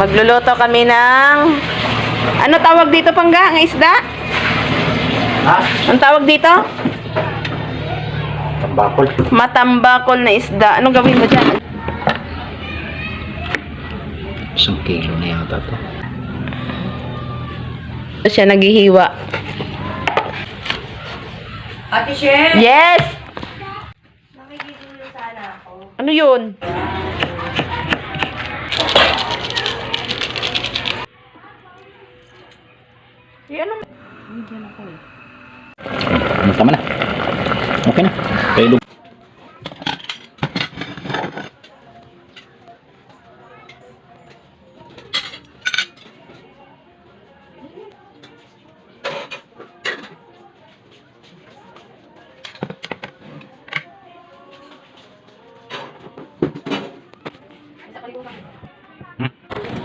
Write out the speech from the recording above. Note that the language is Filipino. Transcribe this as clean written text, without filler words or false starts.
Magluluto kami ng... Ano tawag dito, Pangga? Ang isda? Ha? Ang tawag dito? Tambakol. Matambakol na isda. Anong gawin mo dyan? 1 kilo na yata to. Ito siya naghihiwa. Ate Sher, Yes! makikigulo sana ako. Ano yun? Yan ang... Ano tama na? Okay na. Kaya